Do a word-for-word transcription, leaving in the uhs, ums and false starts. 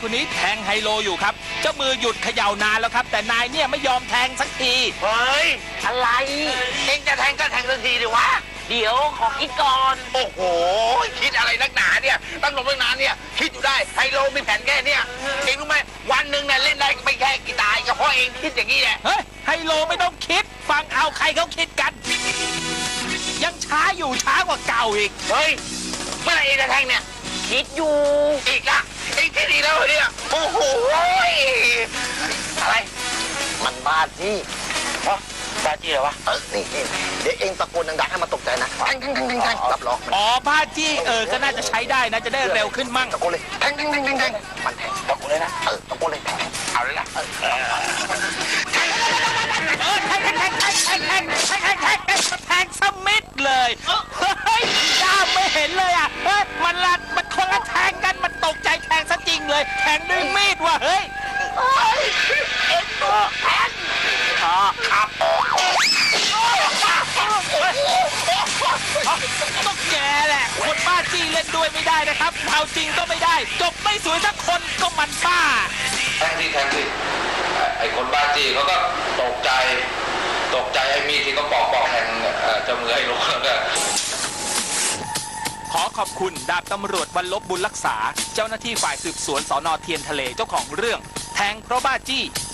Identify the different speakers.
Speaker 1: คนนี้แทงไฮโลอยู่ครับเจ้ามือหยุดเขย่านานแล้วครับแต่นายเนี่ยไม่ยอมแทงสักที
Speaker 2: เฮ้ยอะไรเองจะแทงก็แทงทันทีดิวะเดี๋ยวขอคิดก่อนโอ้โหคิดอะไรนักหนาเนี่ยตั้งลงตั้งนานเนี่ยคิดอยู่ได้ไฮโลมีแผนแค่เนี่ยเองรู้ไหมวันหนึ่งเนี่ยเล่นได้ไม่แค่กี่ตายก็เพราะเองคิดอย่างนี้แหละ
Speaker 1: เฮ้ยไฮโลไม่ต้องคิดฟังเอาใครเขาคิดกัน ยังช้าอยู่ช้ากว่าเก่าอีก
Speaker 2: เฮ้ยเมื่อไหร่เองจะแทงเนี่ยคิดอยู่อีกละเองคิดอีกแล้วเหรอเนี่ยโอ้โหอะไรมันบ้าจี้ฮะบ้าจี้เหรอวะเออนี่นี่เดี๋ยวเองตะโกนดังๆให้มันตกใจนะแทงแทงแทงแทงแทงรับรอง
Speaker 1: อ๋อผ้าจี้เออก็น่าจะใช้ได้นะจะได้เร็วขึ้นมั่ง
Speaker 2: ตะโกนเลยแทงแทงแทงแทงแทงมันแทงตะโกนเลยนะเออตะโกนเลยแทงเอาเลยนะเออ
Speaker 1: เออแทงแทงแทงแทงแทงแทงแทงแทงแทงแทงแทงสมิดเลยเฮ้ยด้ามไม่เห็นเลยอ่ะเฮ้ยมันละมันคนละแทงกันมันตกใจแทงซะจริงเลยแทงด้วยมีดว่ะเฮ้ย
Speaker 2: เอ็งก็แทงครับ
Speaker 1: ต้องแกแหละคนบ้าจี้เล่นด้วยไม่ได้นะครับเอาจริงก็ไม่ได้จบไม่สวยสักคนก็มันบ้า
Speaker 3: แทงที่แทงที่ไอ้คนบ้าจี้เขาก็ตกใจตกใจไอ้มีดที่เขาปอกปอกแทงเจ้ามือให้ลงแล้วก็
Speaker 1: ขอขอบคุณดาบตำรวจวันลบบุญรักษา เจ้าหน้าที่ฝ่ายสืบสวนสน.เทียนทะเลเจ้าของเรื่องแทงเพราะบ้าจี้